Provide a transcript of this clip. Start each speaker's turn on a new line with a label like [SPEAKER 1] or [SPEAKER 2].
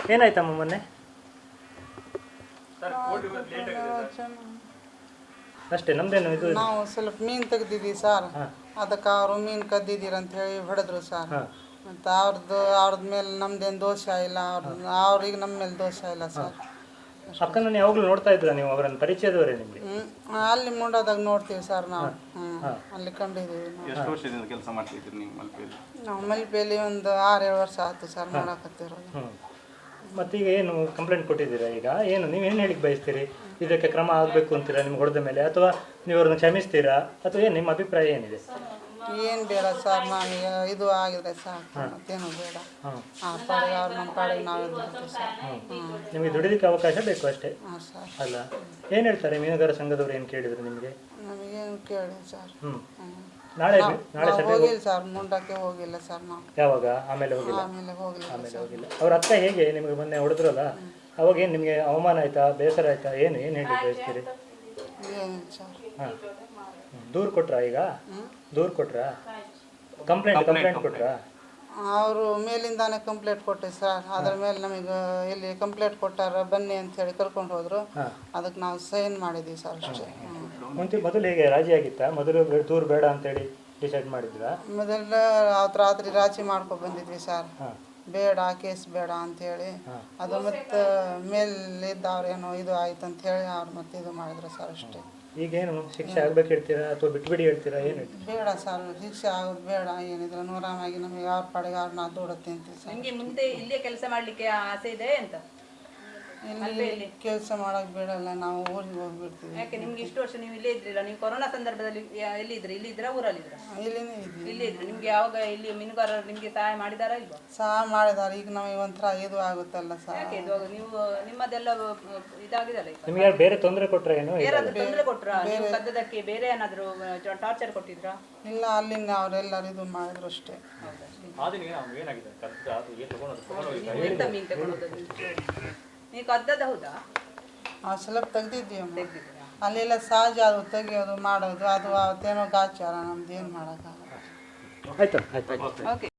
[SPEAKER 1] ಏನಾಯ್ತಮ್ಮ ಮೊನ್ನೆ? ಅಷ್ಟೇ, ನಮ್ದೇನು ಇದು?
[SPEAKER 2] ನಾವು ಸ್ವಲ್ಪ ಮೀನು ತೆಗ್ದಿದ್ವಿ ಸರ್, ಅದಕ್ಕೆ ಅವರು ಮೀನು ಕದ್ದಿದ್ದೀರ ಅಂತ ಹೇಳಿ ಹೊಡೆದ್ರು ಸರ್. ಮತ್ತು ಅವ್ರದ್ದು ಮೇಲೆ ನಮ್ದೇನು ದೋಷ ಇಲ್ಲ, ಅವ್ರಿಗೆ ನಮ್ಮ ಮೇಲೆ ದೋಷ ಇಲ್ಲ ಸರ್.
[SPEAKER 1] ಅಕ್ಕನನ್ನು ಯಾವಾಗಲೂ ನೋಡ್ತಾ ಇದ್ರ ನೀವು? ಅವರನ್ನು ಪರಿಚಯದವರೇ ನಿಮಗೆ?
[SPEAKER 2] ಅಲ್ಲಿ ಮುಂಡೋದಾಗ ನೋಡ್ತೀವಿ ಸರ್ ನಾವು. ಅಲ್ಲಿ ಕಂಡಿದ್ದೀವಿ.
[SPEAKER 3] ಎಷ್ಟು ವರ್ಷದಿಂದ ಕೆಲಸ ಮಾಡ್ತಿದ್ದೀರಿ ನೀವು ಮಲ್ಪೆಯಲ್ಲಿ?
[SPEAKER 2] ನಾವು ಮಲ್ಪೆಯಲ್ಲಿ ಒಂದು 6-7 ವರ್ಷ ಆಯ್ತು ಸರ್ ಮಾಡಕತ್ತಿರೋದು.
[SPEAKER 1] ಮತ್ತೀಗ ಏನು ಕಂಪ್ಲೇಂಟ್ ಕೊಟ್ಟಿದ್ದೀರಾ? ಈಗ ಏನು ನೀವೇನು ಹೇಳಿಕ್ ಬಯಸ್ತೀರಿ? ಇದಕ್ಕೆ ಕ್ರಮ ಆಗಬೇಕು ಅಂತೀರಾ ನಿಮ್ಗೆ ಹೊಡೆದ ಮೇಲೆ, ಅಥವಾ ನೀವು ಅವ್ರನ್ನ ಕ್ಷಮಿಸ್ತೀರಾ, ಅಥವಾ ಏನು ನಿಮ್ಮ ಅಭಿಪ್ರಾಯ ಏನಿದೆ?
[SPEAKER 2] ಏನು ಬೇಡ ಸರ್, ನಮಗೆ ಇದು ಆಗಿದೆ ಸರ್, ಮತ್ತೇನು ಬೇಡ. ಪಾಡಿಗೆ ಅವ್ರು ನಮ್ಮ ಪಾಡಿಗೆ ನಾವು ಇದ್ಬಿಡ್ತೀವಿ ಸರ್.
[SPEAKER 1] ನಿಮಗೆ ದುಡಿಲಿಕ್ಕೆ ಅವಕಾಶ ಬೇಕು ಅಷ್ಟೇ.
[SPEAKER 2] ಹಾಂ ಸರ್.
[SPEAKER 1] ಅಲ್ಲ, ಏನು ಹೇಳ್ತಾರೆ ಮೀನುಗಾರ ಸಂಘದವ್ರು? ಏನು ಕೇಳಿದ್ರು ನಿಮಗೆ?
[SPEAKER 2] ನಮಗೇನು ಕೇಳಿ ಸರ್.
[SPEAKER 1] ನಾಳೆ
[SPEAKER 2] ಹೋಗಿಲ್ಲ ಸರ್, ಮುಂಡಕ್ಕೆ ಹೋಗಿಲ್ಲ ಸರ್ ನಾವು.
[SPEAKER 1] ಯಾವಾಗ? ಆಮೇಲೆ ಹೋಗಿಲ್ಲ?
[SPEAKER 2] ಆಮೇಲೆ ಹೋಗಿಲ್ಲ.
[SPEAKER 1] ಅವ್ರ ಅಕ್ಕ ಹೇಗೆ ನಿಮಗೆ ಮೊನ್ನೆ ಹೊಡೆದ್ರಲ್ಲ, ಅವಾಗ ಏನು ನಿಮಗೆ ಅವಮಾನ ಆಯ್ತಾ, ಬೇಸರ ಆಯ್ತಾ, ಏನು ಹೇಳಿ ಬಯಸ್ತೀರಿ?
[SPEAKER 2] ಏನಿಲ್ಲ ಸರ್.
[SPEAKER 1] ಹಾಂ, ದೂರು ಕೊಟ್ರಾ? ಈಗ ದೂರು ಕೊಟ್ರಾ? ಕಂಪ್ಲೇಂಟ್ ಕೊಟ್ರಾ?
[SPEAKER 2] ಅವರು ಮೇಲಿಂದಾನೆ ಕಂಪ್ಲೇಂಟ್ ಕೊಟ್ಟೆ ಸರ್. ಅದ್ರ ಮೇಲೆ ನಮಗೆ ಇಲ್ಲಿ ಕಂಪ್ಲೇಂಟ್ ಕೊಟ್ಟಾರ ಬನ್ನಿ ಅಂತ ಹೇಳಿ ಕರ್ಕೊಂಡು ಹೋದ್ರು. ಅದಕ್ಕೆ ನಾವು ಸೈನ್ ಮಾಡಿದ್ವಿ ಸರ್ ಅಷ್ಟೇ.
[SPEAKER 1] ಮೊದಲು ಹೇಗೆ ರಾಜಿ ಆಗಿತ್ತಾ? ಮೊದಲು ದೂರು ಬೇಡ ಅಂತೇಳಿ ಡಿಸೈಡ್ ಮಾಡಿದ್ರಾ?
[SPEAKER 2] ಮೊದಲ ಅವತ್ತು ರಾತ್ರಿ ರಾಜಿ ಮಾಡ್ಕೊ ಬಂದಿದ್ವಿ ಸರ್, ಬೇಡ ಕೇಸ್ ಬೇಡ ಅಂಥೇಳಿ. ಅದು ಮತ್ತು ಮೇಲಿದ್ದವ್ರೇನೋ ಇದು ಆಯ್ತು ಅಂತ ಹೇಳಿ ಅವ್ರು ಮತ್ತೆ ಇದು ಮಾಡಿದ್ರು ಸರ್ ಅಷ್ಟೇ.
[SPEAKER 1] ಈಗೇನು ಶಿಕ್ಷೆ ಆಗ್ಬೇಕು ಹೇಳ್ತೀರಾ, ಅಥವಾ ಬಿಟ್ಬಿಡಿ ಹೇಳ್ತೀರಾ? ಏನು
[SPEAKER 2] ಬೇಡ ಸರ್, ಶಿಕ್ಷೆ ಆಗೋದು ಬೇಡ. ಏನಿದ್ರೆ ನೂರಾಮಾಗಿ ನಮಗೆ ಅವ್ರ ಪಾಡಿಗೆ ಅವ್ರು ನಾವು ದುಡುತ್ತೆ ಅಂತೀವಿ ಸರ್.
[SPEAKER 4] ನಿಮಗೆ ಮುಂದೆ ಇಲ್ಲೇ ಕೆಲಸ ಮಾಡಲಿಕ್ಕೆ ಆಸೆ ಇದೆ ಅಂತ?
[SPEAKER 2] ಇಲ್ಲಿ ಕೆಲಸ ಮಾಡೋಕೆ ಬಿಡಲ್ಲ, ನಾವು ಊರಿಗೆ ಹೋಗ್ಬಿಡ್ತೀವಿ.
[SPEAKER 4] ಯಾಕೆ ನಿಮ್ಗೆ ಇಷ್ಟು ವರ್ಷ ನೀವು ಇಲ್ಲೇ ಇದ್ರಿಲ್ಲ? ನೀವು ಕೊರೋನಾ ಸಂದರ್ಭದಲ್ಲಿ ಎಲ್ಲಿ ಇದ್ರಿ? ಇಲ್ಲಿ ಇದ್ರಾ ಊರಲ್ಲಿ ಇದ್ರಾ?
[SPEAKER 2] ಇಲ್ಲಿನೇ ಇದ್ವಿ.
[SPEAKER 4] ಇಲ್ಲೇ ಇದ್ರಿ. ನಿಮ್ಗೆ ಯಾವಾಗ ಇಲ್ಲಿ ಮೀನುಗಾರರು ನಿಮ್ಗೆ ಸಹಾಯ ಮಾಡಿದಾರಾ ಇಲ್ವಾ?
[SPEAKER 2] ಸಹಾಯ ಮಾಡಿದಾರೆ. ಈಗ ನಮಗೆ ಒಂಥರ ಇದು ಆಗುತ್ತಲ್ಲ ಸರ್.
[SPEAKER 4] ಯಾಕೆ ಇದು ನೀವು ನಿಮ್ಮದೆಲ್ಲ ಇದಾಗಿದಲ್ಲ?
[SPEAKER 1] ನಿಮಗೆ ಬೇರೆ ತೊಂದರೆ ಕೊಟ್ಟರೆ ಏನು?
[SPEAKER 4] ಬೇರಾದ್ರೂ ತೊಂದರೆ ಕೊಟ್ರಾ? ನೀವು ಕದ್ದದಕ್ಕೆ ಬೇರೆ ಏನಾದರೂ ಟಾರ್ಚರ್ ಕೊಟ್ಟಿದ್ರಾ?
[SPEAKER 2] ಇಲ್ಲ, ಅಲ್ಲಿಂದ ಅವರೆಲ್ಲರೂ ಇದು ಮಾಡಿದ್ರು ಅಷ್ಟೇ.
[SPEAKER 4] ಎಂತ ಮೀನು ತಗೊಂಡು ನೀವು ಕದ್ದದ? ಹೌದಾ?
[SPEAKER 2] ಸ್ವಲ್ಪ ತೆಗ್ದಿದ್ವಿ ಅಮ್ಮ. ಅಲ್ಲೆಲ್ಲ ಸಹಜ ಅದು ತೆಗಿಯೋದು ಮಾಡೋದು, ಅದು ಅವತ್ತೇನೋ ಗಾಚಾರ, ನಮ್ದು ಏನು ಮಾಡೋಕ್ಕಾಗಲ್ಲ.
[SPEAKER 1] ಆಯ್ತು.
[SPEAKER 4] ಓಕೆ.